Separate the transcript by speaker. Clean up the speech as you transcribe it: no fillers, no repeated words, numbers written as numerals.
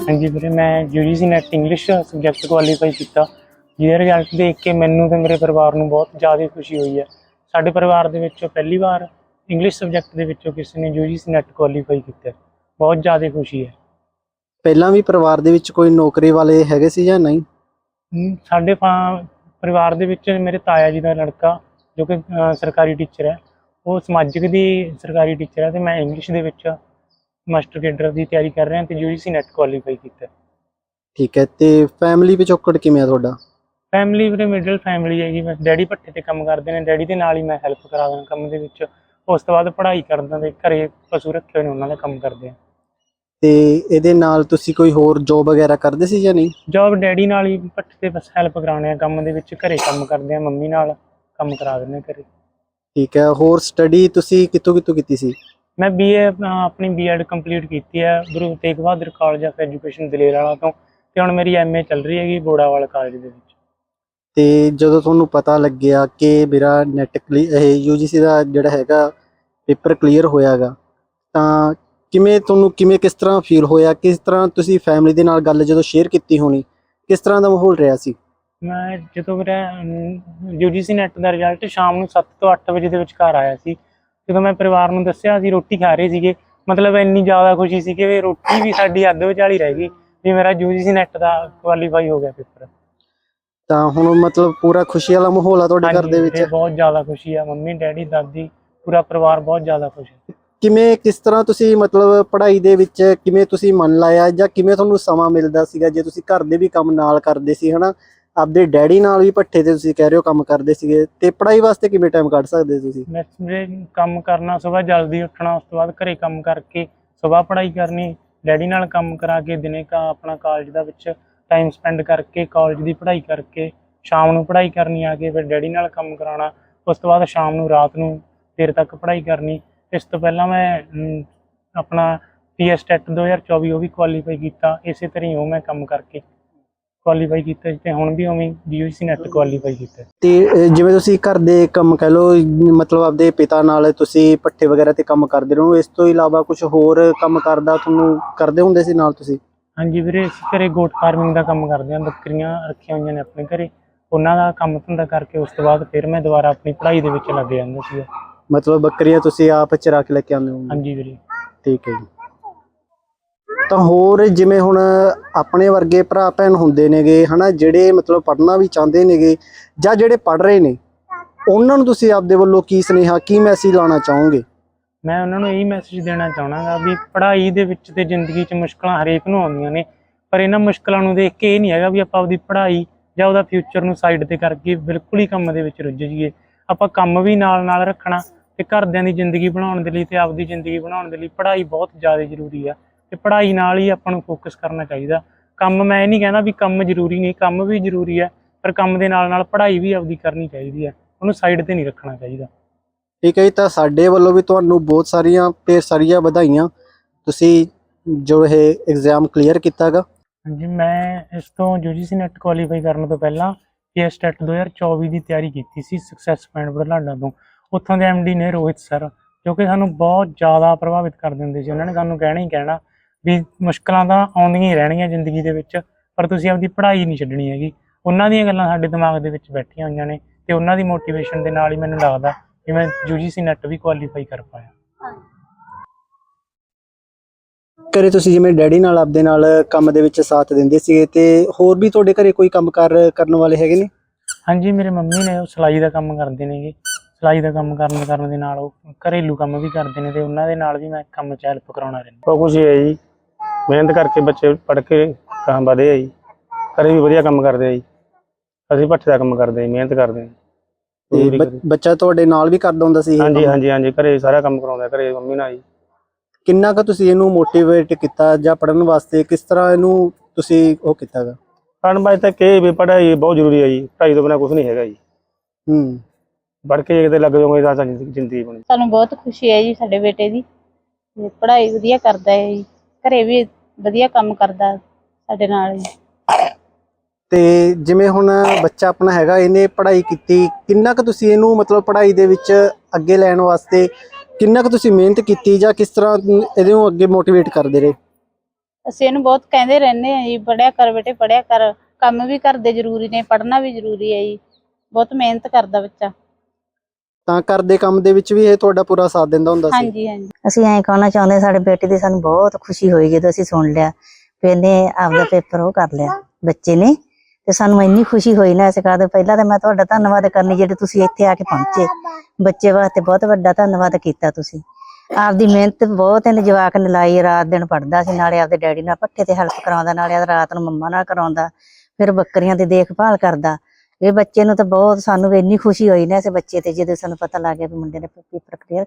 Speaker 1: ਹਾਂਜੀ ਵੀਰੇ, मैं UGC NET English subject qualify ਕੀਤਾ, ਜਿਹਦਾ ਰਿਜ਼ਲਟ ਦੇਖ ਕੇ ਮੈਨੂੰ ਤੇ ਮੇਰੇ ਪਰਿਵਾਰ ਨੂੰ ਬਹੁਤ ਜ਼ਿਆਦਾ ਖੁਸ਼ੀ ਹੋਈ ਹੈ। ਸਾਡੇ ਪਰਿਵਾਰ ਦੇ ਵਿੱਚੋਂ ਪਹਿਲੀ ਵਾਰ ਇੰਗਲਿਸ਼ ਸਬਜੈਕਟ ਦੇ ਵਿੱਚੋਂ ਕਿਸੇ ਨੇ UGC ਨੈਟ ਕੁਆਲੀਫਾਈ ਕੀਤਾ, ਬਹੁਤ ਜ਼ਿਆਦਾ ਖੁਸ਼ੀ ਹੈ।
Speaker 2: ਪਹਿਲਾਂ ਵੀ ਪਰਿਵਾਰ ਦੇ ਵਿੱਚ ਕੋਈ ਨੌਕਰੀ ਵਾਲੇ ਹੈਗੇ ਸੀ ਜਾਂ ਨਹੀਂ?
Speaker 1: ਸਾਡੇ ਪਰਿਵਾਰ ਦੇ ਵਿੱਚ ਮੇਰੇ ਤਾਇਆ ਜੀ ਦਾ ਲੜਕਾ ਜੋ ਕਿ ਸਰਕਾਰੀ ਟੀਚਰ ਹੈ, ਉਹ ਸਮਾਜਿਕ ਦੀ ਸਰਕਾਰੀ ਟੀਚਰ ਹੈ, ਅਤੇ ਮੈਂ ਇੰਗਲਿਸ਼ ਦੇ ਵਿੱਚ ਮਾਸਟਰ ਕੇਡਰ ਦੀ ਤਿਆਰੀ ਕਰ ਰਿਹਾ ਅਤੇ UGC ਨੈਟ ਕੁਆਲੀਫਾਈ ਕੀਤਾ।
Speaker 2: ਠੀਕ ਹੈ, ਤੇ ਫੈਮਿਲੀ ਪਿਛੋਕੜ ਕਿਵੇਂ ਆ ਤੁਹਾਡਾ?
Speaker 1: ਫੈਮਿਲੀ ਵੀਰੇ ਮਿਡਲ ਫੈਮਿਲੀ ਹੈਗੀ, ਬਸ ਡੈਡੀ ਭੱਠੇ 'ਤੇ ਕੰਮ ਕਰਦੇ ਨੇ, ਡੈਡੀ ਦੇ ਨਾਲ ਹੀ ਮੈਂ ਹੈਲਪ ਕਰਾ ਦਿੰਦਾ ਕੰਮ ਦੇ ਵਿੱਚ। ਉਸ ਤੋਂ ਬਾਅਦ ਪੜ੍ਹਾਈ ਕਰਦਾ ਅਤੇ ਘਰੇ ਪਸ਼ੂ ਰੱਖੇ ਹੋਏ ਨੇ, ਉਹਨਾਂ ਦਾ ਕੰਮ ਕਰਦੇ ਹਾਂ।
Speaker 2: ਤੇ ਇਹਦੇ ਨਾਲ ਤੁਸੀਂ ਕੋਈ ਹੋਰ ਜੋਬ ਵਗੈਰਾ ਕਰਦੇ ਸੀ ਜਾਂ ਨਹੀਂ?
Speaker 1: ਜੋਬ ਡੈਡੀ ਨਾਲ ਹੀ ਭੱਠੇ 'ਤੇ ਬਸ ਹੈਲਪ ਕਰਾਉਂਦੇ ਹਾਂ ਕੰਮ ਦੇ ਵਿੱਚ, ਘਰੇ ਕੰਮ ਕਰਦੇ ਹਾਂ, ਮੰਮੀ ਨਾਲ ਕੰਮ ਕਰਾ ਦਿੰਦੇ ਹਾਂ ਘਰੇ।
Speaker 2: ਠੀਕ ਹੈ, ਹੋਰ ਸਟੱਡੀ ਤੁਸੀਂ ਕਿੱਥੋਂ ਕੀਤੀ ਸੀ?
Speaker 1: ਮੈਂ BA ਆਪਣੀ B.Ed ਕੰਪਲੀਟ ਕੀਤੀ ਹੈ Guru Tegh Bahadur college of education Daler ਵਾਲਾ ਤੋਂ, ਅਤੇ ਹੁਣ ਮੇਰੀ MA ਚੱਲ ਰਹੀ ਹੈਗੀ ਬੋੜਾਵਾਲ ਕਾਲਜ ਦੇ ਵਿੱਚ।
Speaker 2: ਤੇ ਜਦੋਂ ਤੁਹਾਨੂੰ ਪਤਾ ਲੱਗਿਆ ਕਿ ਮੇਰਾ ਨੈਟ ਇਹ UGC ਦਾ ਜਿਹੜਾ ਹੈਗਾ ਪੇਪਰ ਕਲੀਅਰ ਹੋਇਆਗਾ, ਤਾਂ ਕਿਸ ਤਰ੍ਹਾਂ ਫੀਲ ਹੋਇਆ? ਕਿਸ ਤਰ੍ਹਾਂ ਤੁਸੀਂ ਫੈਮਿਲੀ ਦੇ ਨਾਲ ਗੱਲ ਜਦੋਂ ਸ਼ੇਅਰ ਕੀਤੀ ਹੋਣੀ, ਕਿਸ ਤਰ੍ਹਾਂ ਦਾ ਮਾਹੌਲ ਰਿਹਾ ਸੀ?
Speaker 1: ਮੈਂ ਜਦੋਂ ਮੇਰਾ UGC ਨੈਟ ਦਾ ਰਿਜ਼ਲਟ ਸ਼ਾਮ ਨੂੰ 7 ਤੋਂ 8 ਵਜੇ ਦੇ ਵਿਚਕਾਰ ਆਇਆ ਸੀ, ਜਦੋਂ ਮੈਂ ਪਰਿਵਾਰ ਨੂੰ ਦੱਸਿਆ, ਅਸੀਂ ਰੋਟੀ ਖਾ ਰਹੇ ਸੀਗੇ, ਮਤਲਬ ਇੰਨੀ ਜ਼ਿਆਦਾ ਖੁਸ਼ੀ ਸੀ ਕਿ ਰੋਟੀ ਵੀ ਸਾਡੀ ਅੱਧ ਵਿਚਾਲੀ ਰਹਿ ਗਈ ਵੀ ਮੇਰਾ UGC ਨੈਟ ਦਾ ਕੁਆਲੀਫਾਈ ਹੋ ਗਿਆ ਪੇਪਰ।
Speaker 2: ਤਾਂ ਹੁਣ ਮਤਲਬ ਪੂਰਾ ਖੁਸ਼ੀ ਵਾਲਾ ਮਾਹੌਲ ਆ ਤੁਹਾਡੇ ਘਰ ਦੇ ਵਿੱਚ?
Speaker 1: ਬਹੁਤ ਜ਼ਿਆਦਾ ਖੁਸ਼ੀ ਆ, ਮੰਮੀ ਡੈਡੀ ਦਾਦੀ ਪੂਰਾ ਪਰਿਵਾਰ ਬਹੁਤ ਜ਼ਿਆਦਾ ਖੁਸ਼ ਹੈ।
Speaker 2: ਕਿਸ ਤਰ੍ਹਾਂ ਤੁਸੀਂ ਮਤਲਬ ਪੜ੍ਹਾਈ ਦੇ ਵਿੱਚ ਕਿਵੇਂ ਤੁਸੀਂ ਮਨ ਲਾਇਆ, ਜਾਂ ਕਿਵੇਂ ਤੁਹਾਨੂੰ ਸਮਾਂ ਮਿਲਦਾ ਸੀਗਾ? ਜੇ ਤੁਸੀਂ ਘਰ ਦੇ ਵੀ ਕੰਮ ਨਾਲ ਕਰਦੇ ਸੀ ਹਨਾ, ਆਪਦੇ ਡੈਡੀ ਨਾਲ ਵੀ ਭੱਠੇ ਤੇ ਤੁਸੀਂ ਕਹਿ ਰਹੇ ਹੋ ਕੰਮ ਕਰਦੇ ਸੀਗੇ, ਤੇ ਪੜ੍ਹਾਈ ਵਾਸਤੇ ਕਿਵੇਂ ਟਾਈਮ ਕੱਢ ਸਕਦੇ ਤੁਸੀਂ?
Speaker 1: ਮੈਂ ਕੰਮ ਕਰਨਾ, ਸੁਬਾਹ ਜਲਦੀ ਉੱਠਣਾ, ਉਸ ਤੋਂ ਬਾਅਦ ਘਰੇ ਕੰਮ ਕਰਕੇ ਸੁਬਾਹ ਪੜ੍ਹਾਈ ਕਰਨੀ, ਡੈਡੀ ਨਾਲ ਕੰਮ ਕਰਾ ਕੇ ਦਿਨੇ ਆਪਣਾ ਕਾਲਜ ਦਾ ਵਿੱਚ ਟਾਈਮ ਸਪੈਂਡ ਕਰਕੇ ਕਾਲਜ ਦੀ ਪੜ੍ਹਾਈ ਕਰਕੇ ਸ਼ਾਮ ਨੂੰ ਪੜ੍ਹਾਈ ਕਰਨੀ ਆ ਕੇ, ਫਿਰ ਡੈਡੀ ਨਾਲ ਕੰਮ ਕਰਾਉਣਾ, ਉਸ ਤੋਂ ਬਾਅਦ ਸ਼ਾਮ ਨੂੰ ਰਾਤ ਨੂੰ ਦੇਰ ਤੱਕ ਪੜ੍ਹਾਈ ਕਰਨੀ। ਇਸ ਤੋਂ ਪਹਿਲਾਂ ਮੈਂ ਆਪਣਾ PS ਟੈਟ 2024 ਉਹ ਵੀ ਕੁਆਲੀਫਾਈ ਕੀਤਾ, ਇਸੇ ਤਰ੍ਹਾਂ ਹੀ ਉਹ ਮੈਂ ਕੰਮ ਕਰਕੇ ਕੁਆਲੀਫਾਈ ਕੀਤਾ, ਅਤੇ ਹੁਣ ਵੀ ਉਵੇਂ UGC ਨੈਟ ਕੁਆਲੀਫਾਈ ਕੀਤਾ।
Speaker 2: ਤੇ ਜਿਵੇਂ ਤੁਸੀਂ ਘਰ ਦੇ ਕੰਮ ਕਹਿ ਲਓ, ਮਤਲਬ ਆਪਦੇ ਪਿਤਾ ਨਾਲ ਤੁਸੀਂ ਭੱਠੇ ਵਗੈਰਾ ਤੇ ਕੰਮ ਕਰਦੇ ਰਹੋ, ਇਸ ਤੋਂ ਇਲਾਵਾ ਕੁਝ ਹੋਰ ਕੰਮ ਕਰਦਾ ਤੁਹਾਨੂੰ ਕਰਦੇ ਹੁੰਦੇ ਸੀ ਨਾਲ ਤੁਸੀਂ?
Speaker 1: ਹਾਂਜੀ ਵੀਰੇ, ਅਸੀਂ ਘਰੇ ਗੋਟ ਫਾਰਮਿੰਗ ਦਾ ਕੰਮ ਕਰਦੇ ਹਾਂ, ਬੱਕਰੀਆਂ ਰੱਖੀਆਂ ਹੋਈਆਂ ਨੇ ਆਪਣੇ ਘਰੇ, ਉਹਨਾਂ ਦਾ ਕੰਮ ਧੰਦਾ ਕਰਕੇ ਉਸ ਤੋਂ ਬਾਅਦ ਫਿਰ ਮੈਂ ਦੁਬਾਰਾ ਆਪਣੀ ਪੜ੍ਹਾਈ ਦੇ ਵਿੱਚ ਲੱਗ ਜਾਂਦਾ ਸੀ।
Speaker 2: ਮਤਲਬ ਬੱਕਰੀਆਂ ਤੁਸੀਂ ਆਪ ਚਰਾ ਕੇ ਲੈ ਕੇ ਆਉਂਦੇ ਹੋ?
Speaker 1: ਹਾਂਜੀ ਵੀਰੇ।
Speaker 2: ਠੀਕ ਹੈ ਜੀ। ਤਾਂ ਹੋਰ ਜਿਵੇਂ ਹੁਣ ਆਪਣੇ ਵਰਗੇ ਭਰਾ ਭੈਣ ਹੁੰਦੇ ਨੇਗੇ ਹਨਾ, ਜਿਹੜੇ ਮਤਲਬ ਪੜ੍ਹਨਾ ਵੀ ਚਾਹੁੰਦੇ ਨੇਗੇ, ਜਾਂ ਜਿਹੜੇ ਪੜ੍ਹ ਰਹੇ ਨੇ, ਉਹਨਾਂ ਨੂੰ ਤੁਸੀਂ ਆਪਦੇ ਵੱਲੋਂ ਕੀ ਸੁਨੇਹਾ, ਕੀ ਮੈਸੇਜ ਲਾਉਣਾ ਚਾਹੋਗੇ?
Speaker 1: ਮੈਂ ਉਹਨਾਂ ਨੂੰ ਇਹੀ ਮੈਸੇਜ ਦੇਣਾ ਚਾਹੁੰਦਾ ਵੀ ਪੜ੍ਹਾਈ ਦੇ ਵਿੱਚ ਤੇ ਜ਼ਿੰਦਗੀ 'ਚ ਮੁਸ਼ਕਲਾਂ ਹਰੇਕ ਨੂੰ ਆਉਂਦੀਆਂ ਨੇ, ਪਰ ਇਹਨਾਂ ਮੁਸ਼ਕਲਾਂ ਨੂੰ ਦੇਖ ਕੇ ਇਹ ਨਹੀਂ ਹੈਗਾ ਵੀ ਆਪਾਂ ਆਪਦੀ ਪੜ੍ਹਾਈ ਜਾਂ ਉਹਦਾ ਫਿਊਚਰ ਨੂੰ ਸਾਈਡ 'ਤੇ ਕਰਕੇ ਬਿਲਕੁਲ ਹੀ ਕੰਮ ਦੇ ਵਿੱਚ ਰੁੱਝ ਜਾਈਏ। ਆਪਾਂ ਕੰਮ ਵੀ ਨਾਲ ਰੱਖਣਾ, ਅਤੇ ਘਰਦਿਆਂ ਦੀ ਜ਼ਿੰਦਗੀ ਬਣਾਉਣ ਦੇ ਲਈ ਅਤੇ ਆਪਦੀ ਜ਼ਿੰਦਗੀ ਬਣਾਉਣ ਦੇ ਲਈ ਪੜ੍ਹਾਈ ਬਹੁਤ ਜ਼ਿਆਦਾ ਜ਼ਰੂਰੀ ਆ, ਅਤੇ ਪੜ੍ਹਾਈ ਨਾਲ ਹੀ ਆਪਾਂ ਨੂੰ ਫੋਕਸ ਕਰਨਾ ਚਾਹੀਦਾ। ਕੰਮ ਮੈਂ ਇਹ ਨਹੀਂ ਕਹਿੰਦਾ ਵੀ ਕੰਮ ਜ਼ਰੂਰੀ ਨਹੀਂ, ਕੰਮ ਵੀ ਜ਼ਰੂਰੀ ਹੈ, ਪਰ ਕੰਮ ਦੇ ਨਾਲ ਪੜ੍ਹਾਈ ਵੀ ਆਪਦੀ ਕਰਨੀ ਚਾਹੀਦੀ ਹੈ, ਉਹਨੂੰ ਸਾਈਡ 'ਤੇ ਨਹੀਂ ਰੱਖਣਾ ਚਾਹੀਦਾ।
Speaker 2: ਠੀਕ ਹੈ ਜੀ, ਤਾਂ ਸਾਡੇ ਵੱਲੋਂ ਵੀ ਤੁਹਾਨੂੰ ਬਹੁਤ ਸਾਰੀਆਂ ਵਧਾਈਆਂ, ਤੁਸੀਂ ਜੋ ਇਹ ਐਗਜ਼ਾਮ ਕਲੀਅਰ ਕੀਤਾ ਗਾ।
Speaker 1: ਹਾਂਜੀ, ਮੈਂ ਇਸ ਤੋਂ UGC ਨੈਟ ਕੁਆਲੀਫਾਈ ਕਰਨ ਤੋਂ ਪਹਿਲਾਂ PS ਟੈਟ 2024 ਦੀ ਤਿਆਰੀ ਕੀਤੀ ਸੀ ਸਕਸੈਸ ਪੁਆਇੰਟ ਬੁਢਲਾਡਾ ਤੋਂ। ਉੱਥੋਂ ਦੇ MD ਨੇ ਰੋਹਿਤ ਸਰ, ਜੋ ਕਿ ਸਾਨੂੰ ਬਹੁਤ ਜ਼ਿਆਦਾ ਪ੍ਰਭਾਵਿਤ ਕਰ ਦਿੰਦੇ ਸੀ। ਉਹਨਾਂ ਨੇ ਸਾਨੂੰ ਕਹਿਣਾ ਹੀ ਕਹਿਣਾ ਵੀ ਮੁਸ਼ਕਲਾਂ ਤਾਂ ਆਉਂਦੀਆਂ ਹੀ ਰਹਿਣਗੀਆਂ ਜ਼ਿੰਦਗੀ ਦੇ ਵਿੱਚ, ਪਰ ਤੁਸੀਂ ਆਪਦੀ ਪੜ੍ਹਾਈ ਨਹੀਂ ਛੱਡਣੀ ਹੈਗੀ। ਉਹਨਾਂ ਦੀਆਂ ਗੱਲਾਂ ਸਾਡੇ ਦਿਮਾਗ ਦੇ ਵਿੱਚ ਬੈਠੀਆਂ ਹੋਈਆਂ ਨੇ, ਅਤੇ ਉਹਨਾਂ ਦੀ ਮੋਟੀਵੇਸ਼ਨ ਦੇ ਨਾਲ ਹੀ ਮੈਨੂੰ ਲੱਗਦਾ ਕਿ ਮੈਂ UGC ਨੈਟ ਵੀ ਕੁਆਲੀਫਾਈ ਕਰ ਪਾਇਆ।
Speaker 2: ਘਰੇ ਤੁਸੀਂ ਜਿਵੇਂ ਡੈਡੀ ਨਾਲ ਆਪਦੇ ਨਾਲ ਕੰਮ ਦੇ ਵਿੱਚ ਸਾਥ ਦਿੰਦੇ ਸੀਗੇ, ਤੇ ਹੋਰ ਵੀ ਤੁਹਾਡੇ ਘਰੇ ਕੋਈ ਕੰਮ ਕਰਨ ਵਾਲੇ ਹੈਗੇ ਨੇ?
Speaker 1: ਹਾਂਜੀ, ਮੇਰੇ ਮੰਮੀ ਨੇ, ਉਹ ਸਿਲਾਈ ਦਾ ਕੰਮ ਕਰਦੇ ਨੇਗੇ, ਸਿਲਾਈ ਦਾ ਕੰਮ ਕਰਨ ਦੇ ਨਾਲ ਉਹ ਘਰੇਲੂ ਕੰਮ ਵੀ ਕਰਦੇ ਨੇ, ਅਤੇ ਉਹਨਾਂ ਦੇ ਨਾਲ ਵੀ ਮੈਂ ਕੰਮ 'ਚ ਹੈਲਪ ਕਰਾਉਣਾ ਰਹਿੰਦਾ।
Speaker 3: ਬਹੁਤ ਖੁਸ਼ੀ ਹੈ ਜੀ, ਮਿਹਨਤ ਕਰਕੇ ਬੱਚੇ ਪੜ੍ਹ ਕੇ ਗਾਹਾਂ ਵਧੇ ਆ ਜੀ, ਘਰੇ ਵੀ ਵਧੀਆ ਕੰਮ ਕਰਦੇ ਆ ਜੀ, ਅਸੀਂ ਭੱਠੇ ਦਾ ਕੰਮ ਕਰਦੇ ਹਾਂ, ਮਿਹਨਤ ਕਰਦੇ ਹਾਂ।
Speaker 2: ਬੱਚਾ ਤੁਹਾਡੇ ਨਾਲ ਵੀ ਕਰਦਾ ਹੁੰਦਾ ਸੀ?
Speaker 3: ਹਾਂਜੀ, ਘਰੇ ਸਾਰਾ ਕੰਮ ਕਰਾਉਂਦਾ, ਘਰੇ ਮੰਮੀ ਨਾਲ ਜੀ।
Speaker 2: ਕਿੰਨਾ ਕੁ ਤੁਸੀਂ ਇਹਨੂੰ ਮੋਟੀਵੇਟ ਕੀਤਾ ਜਾਂ ਪੜ੍ਹਨ ਵਾਸਤੇ ਕਿਸ ਤਰ੍ਹਾਂ ਇਹਨੂੰ ਤੁਸੀਂ ਉਹ ਕੀਤਾ ਗਾ?
Speaker 3: ਪੜ੍ਹਨ ਵਾਸਤੇ ਕਿ ਵੀ ਪੜ੍ਹਾਈ ਬਹੁਤ ਜ਼ਰੂਰੀ ਹੈ ਜੀ, ਪੜ੍ਹਾਈ ਤੋਂ ਬਿਨਾਂ ਕੁਛ ਨਹੀਂ ਹੈਗਾ ਜੀ। ਪੜ੍ਹ ਕੇ ਕਿਤੇ ਲੱਗ ਜਾਓਗੇ ਤਾਂ ਜ਼ਿੰਦਗੀ ਬਣੀ।
Speaker 4: ਸਾਨੂੰ ਬਹੁਤ ਖੁਸ਼ੀ ਹੈ ਜੀ ਸਾਡੇ ਬੇਟੇ ਦੀ, ਪੜ੍ਹਾਈ ਵਧੀਆ ਕਰਦਾ ਹੈ ਜੀ, ਘਰੇ ਵੀ ਵਧੀਆ ਕੰਮ ਕਰਦਾ ਸਾਡੇ ਨਾਲ ਜੀ।
Speaker 2: ਤੇ ਜਿਵੇਂ ਹੁਣ ਬੱਚਾ ਆਪਣਾ ਹੈਗਾ, ਇਹਨੇ ਪੜ੍ਹਾਈ ਕੀਤੀ, ਕਿੰਨਾ ਕੁ ਤੁਸੀਂ ਇਹਨੂੰ ਮਤਲਬ ਪੜ੍ਹਾਈ ਦੇ ਵਿੱਚ ਅੱਗੇ ਲੈਣ ਵਾਸਤੇ ਕਿੰਨਾ ਕੁ ਤੁਸੀਂ ਮਿਹਨਤ ਕੀਤੀ, ਜਾਂ ਕਿਸ ਤਰ੍ਹਾਂ ਇਹਨੂੰ ਅੱਗੇ ਮੋਟੀਵੇਟ ਕਰਦੇ ਰਹੇ?
Speaker 4: ਅਸੀਂ ਇਹਨੂੰ ਬਹੁਤ ਕਹਿੰਦੇ ਰਹਿੰਦੇ ਆ ਜੀ, ਪੜ੍ਹਿਆ ਕਰ ਬੇਟੇ, ਪੜ੍ਹਿਆ ਕਰ, ਕੰਮ ਵੀ ਘਰ ਦੇ ਜ਼ਰੂਰੀ ਨੇ, ਪੜ੍ਹਨਾ ਵੀ ਜ਼ਰੂਰੀ ਹੈ ਜੀ। ਬਹੁਤ ਮਿਹਨਤ ਕਰਦਾ ਬੱਚਾ।
Speaker 2: ਤਾਂ ਘਰ ਦੇ ਕੰਮ ਦੇ ਵਿੱਚ ਵੀ ਇਹ ਤੁਹਾਡਾ ਪੂਰਾ ਸਾਥ ਦਿੰਦਾ ਹੁੰਦਾ ਸੀ?
Speaker 4: ਹਾਂਜੀ ਹਾਂਜੀ।
Speaker 5: ਅਸੀਂ ਐਂ ਕਹਿਣਾ ਚਾਹੁੰਦੇ ਸਾਡੇ ਬੇਟੇ ਦੀ ਸਾਨੂੰ ਬਹੁਤ ਖੁਸ਼ੀ ਹੋਈ ਜਦੋਂ ਅਸੀਂ ਸੁਣ ਲਿਆ ਵੀ ਇਹਨੇ ਆਪਦਾ ਪੇਪਰ ਉਹ ਕਰ ਲਿਆ ਬੱਚੇ ਨੇ, ਤੇ ਸਾਨੂੰ ਇੰਨੀ ਖੁਸ਼ੀ ਹੋਈ ਨਾ। ਇਸ ਕਰਦੇ ਪਹਿਲਾਂ ਤਾਂ ਮੈਂ ਤੁਹਾਡਾ ਧੰਨਵਾਦ ਕਰਨੀ ਜਿਹੜੇ ਤੁਸੀਂ ਇੱਥੇ ਆ ਕੇ ਪਹੁੰਚੇ। ਬੱਚੇ ਵਾਸਤੇ ਬਹੁਤ ਵੱਡਾ ਧੰਨਵਾਦ ਕੀਤਾ ਤੁਸੀਂ। ਆਪਦੀ ਮਿਹਨਤ ਬਹੁਤ ਇਹਨੇ ਜਵਾਕ ਨੇ ਲਾਈ, ਰਾਤ ਦਿਨ ਪੜ੍ਹਦਾ ਸੀ, ਨਾਲੇ ਆਪਦੇ ਡੈਡੀ ਨਾਲ ਪੱਠੇ ਤੇ ਹੈਲਪ ਕਰਾਉਂਦਾ, ਨਾਲੇ ਰਾਤ ਨੂੰ ਮੰਮਾ ਨਾਲ ਕਰਾਉਂਦਾ, ਫਿਰ ਬੱਕਰੀਆਂ ਦੀ ਦੇਖਭਾਲ ਕਰਦਾ। ਇਹ ਬੱਚੇ ਨੂੰ ਤਾਂ ਬਹੁਤ, ਸਾਨੂੰ ਵੀ ਇੰਨੀ ਖੁਸ਼ੀ ਹੋਈ ਨਾ ਇਸ ਬੱਚੇ ਤੇ ਜਦੋਂ ਸਾਨੂੰ ਪਤਾ ਲੱਗ ਗਿਆ ਵੀ ਮੁੰਡੇ ਨੇ ਪੇਪਰ ਕਲੀਅਰ